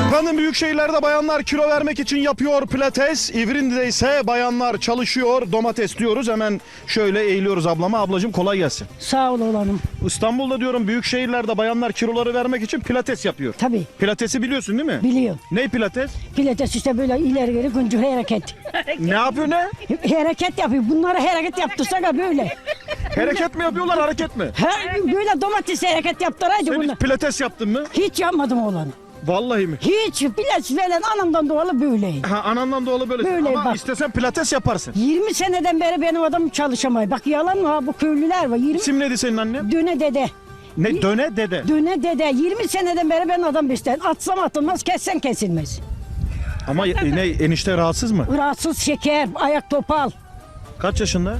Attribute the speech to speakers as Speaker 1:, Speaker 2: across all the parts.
Speaker 1: Efendim büyük şehirlerde bayanlar kilo vermek için yapıyor pilates. İvrindi'de ise bayanlar çalışıyor. Domates diyoruz. Hemen şöyle eğiliyoruz ablama. Ablacığım kolay gelsin.
Speaker 2: Sağ ol oğlanım.
Speaker 1: İstanbul'da diyorum büyük şehirlerde bayanlar kiloları vermek için pilates yapıyor.
Speaker 2: Tabii
Speaker 1: Pilatesi biliyorsun değil mi?
Speaker 2: biliyorum.
Speaker 1: Ne pilates?
Speaker 2: Pilates işte böyle ileri geri güncür hareket.
Speaker 1: Ne yapıyor ne?
Speaker 2: Hareket yapıyor. Bunlara hareket yaptırsak ha böyle.
Speaker 1: Hareket mi yapıyorlar hareket mi?
Speaker 2: Böyle domates hareket yaptıraydı
Speaker 1: Sen
Speaker 2: bunu.
Speaker 1: hiç pilates yaptın mı?
Speaker 2: Hiç yapmadım oğlanım.
Speaker 1: Vallahi mi?
Speaker 2: Hiç pilates falan anamdan doğalı böyleyim.
Speaker 1: Ha, anandan doğalı böyle.
Speaker 2: Böyle
Speaker 1: Ama
Speaker 2: bak.
Speaker 1: istesen pilates yaparsın.
Speaker 2: 20 seneden beri benim adam çalışamıyor. Bak yalan mı ha bu köylüler var. 20
Speaker 1: İsim neydi senin annem?
Speaker 2: döne dede.
Speaker 1: Ne? Döne dede.
Speaker 2: Döne dede 20 seneden beri ben adam beslerim. Atsam atılmaz, kessem kesilmez.
Speaker 1: Ama ne enişte rahatsız mı?
Speaker 2: Rahatsız şeker, ayak topal.
Speaker 1: Kaç yaşında?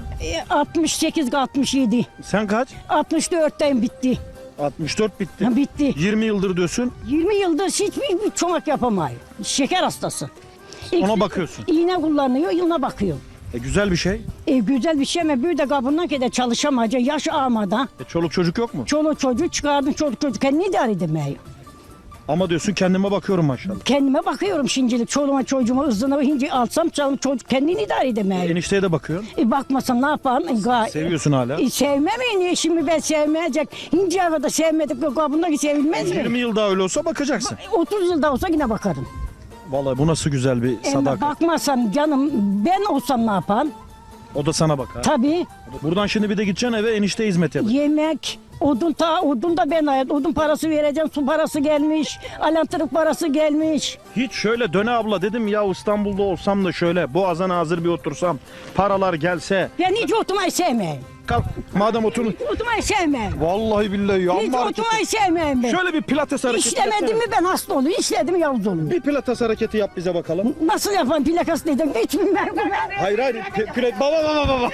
Speaker 2: 68 67.
Speaker 1: Sen kaç?
Speaker 2: 64'ten bitti.
Speaker 1: 64 bitti.
Speaker 2: Ha, bitti.
Speaker 1: 20 yıldır diyorsun.
Speaker 2: 20 yıldır hiçbir çomak yapamıyor. Şeker hastası.
Speaker 1: Ona bakıyorsun.
Speaker 2: İğne kullanıyor, yılına bakıyor.
Speaker 1: Güzel bir şey.
Speaker 2: Güzel bir şey ama bir de kabından ki çalışamayacak. Yaş ağmadan.
Speaker 1: Çoluk çocuk yok mu?
Speaker 2: Çoluk çocuğu çıkardım, çoluk çocuk kendini idare edemiyor.
Speaker 1: Ama diyorsun kendime bakıyorum maşallah.
Speaker 2: Kendime bakıyorum şimdilik. Çoluğuma çocuğuma ızdına hinci alsam çocuk kendini idare edemiyor.
Speaker 1: Enişteye de bakıyorsun.
Speaker 2: Bakmasam ne yapalım?
Speaker 1: Seviyorsun hala.
Speaker 2: Sevmem mi? Şimdi ben sevmeyecek. Hinci da sevmedik. Kabındaki sevilmez mi?
Speaker 1: 20 yıl daha öyle olsa bakacaksın.
Speaker 2: 30 yılda olsa yine bakarım.
Speaker 1: Vallahi bu nasıl güzel bir
Speaker 2: Ama
Speaker 1: sadakat.
Speaker 2: bakmasam canım ben olsam ne yaparım?
Speaker 1: O da sana bakar.
Speaker 2: Tabii
Speaker 1: Buradan şimdi bir de gideceksin eve enişte hizmet yapacak.
Speaker 2: yemek, odun da ben ayet. Odun parası vereceğim, su parası gelmiş, alantırık parası gelmiş.
Speaker 1: Hiç şöyle döne abla dedim ya İstanbul'da olsam da şöyle boğazına hazır bir otursam paralar gelse.
Speaker 2: Ben hiç oturmayı sevmem.
Speaker 1: Kalk madem otur.
Speaker 2: Oturmayı sevmem.
Speaker 1: Vallahi billahi ya.
Speaker 2: Hiç
Speaker 1: amma hareket-
Speaker 2: oturmayı sevmem ben.
Speaker 1: Şöyle bir pilates hareketi
Speaker 2: İşlemedim
Speaker 1: yapsana.
Speaker 2: mi ben hasta oluyorum, işledim mi yavuz oluyorum.
Speaker 1: Bir pilates hareketi yap bize bakalım.
Speaker 2: Nasıl yapan plakas dedim hiç bilmem.
Speaker 1: Hayır hayır. Baba.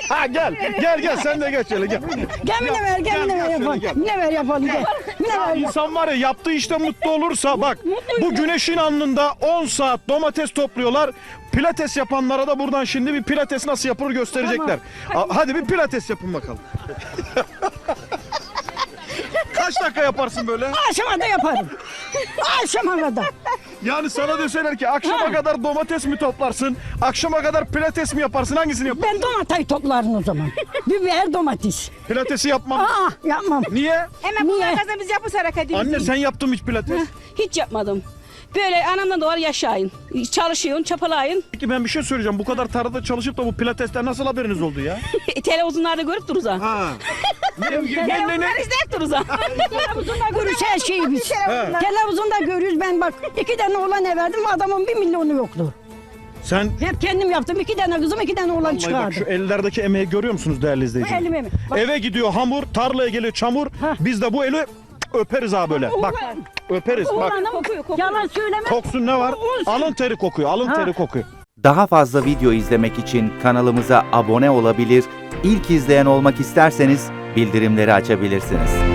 Speaker 1: gel sen de geç şöyle gel.
Speaker 2: Gel ne ver, gel ne ver yapalım.
Speaker 1: gel.
Speaker 2: Ne ver yapalım gel. Ne ver
Speaker 1: İnsan var ya yaptığı işte mutlu olursa bak bu güneşin alnında 10 saat domates topluyorlar. Pilates yapanlara da buradan şimdi bir pilates nasıl yapılır gösterecekler. Hadi bir pilates yapın bakalım. Kaç dakika yaparsın böyle?
Speaker 2: Akşama da yaparım. Akşama kadar.
Speaker 1: Yani sana deseler ki akşama kadar domates mi toplarsın? Akşama kadar pilates mi yaparsın? Hangisini yaparsın?
Speaker 2: Ben domatayı toplarım o zaman. Biber domates.
Speaker 1: Pilatesi yapmam.
Speaker 2: Yapmam.
Speaker 1: Niye?
Speaker 3: Hemen bunlar kazan biz yapız hareketimizi.
Speaker 1: Anne sen yaptın mı hiç pilates?
Speaker 3: Hiç yapmadım. Böyle anamdan doğar yaşayın. Çalışıyorsun, çapalayın.
Speaker 1: Peki ben bir şey söyleyeceğim. Bu kadar tarlada çalışıp da bu pilatesten nasıl haberiniz oldu ya?
Speaker 3: Televizyonlarda görüp dururuz ha.
Speaker 1: Ha.
Speaker 3: Televizyonlar izleyip dururuz ha.
Speaker 2: Televizyonda görürüz her şeyi biz. Televizyonda görürüz ben bak 2 tane oğlan verdim adamın 1 milyonu yoktu.
Speaker 1: Sen
Speaker 2: Hep kendim yaptım 2 tane kızım 2 tane oğlan
Speaker 1: vallahi bak
Speaker 2: çıkardım.
Speaker 1: şu ellerdeki emeği görüyor musunuz değerli
Speaker 2: Bu
Speaker 1: izleyiciler?
Speaker 2: elime mi? Bak,
Speaker 1: Eve gidiyor hamur, tarlaya geliyor çamur. Biz de bu eli öperiz ha böyle. Bak öperiz bak.
Speaker 2: oğlanım yalan söyleme.
Speaker 1: Koksun ne var? Alın teri kokuyor, alın teri kokuyor.
Speaker 4: Daha fazla video izlemek için kanalımıza abone olabilir, ilk izleyen olmak isterseniz bildirimleri açabilirsiniz.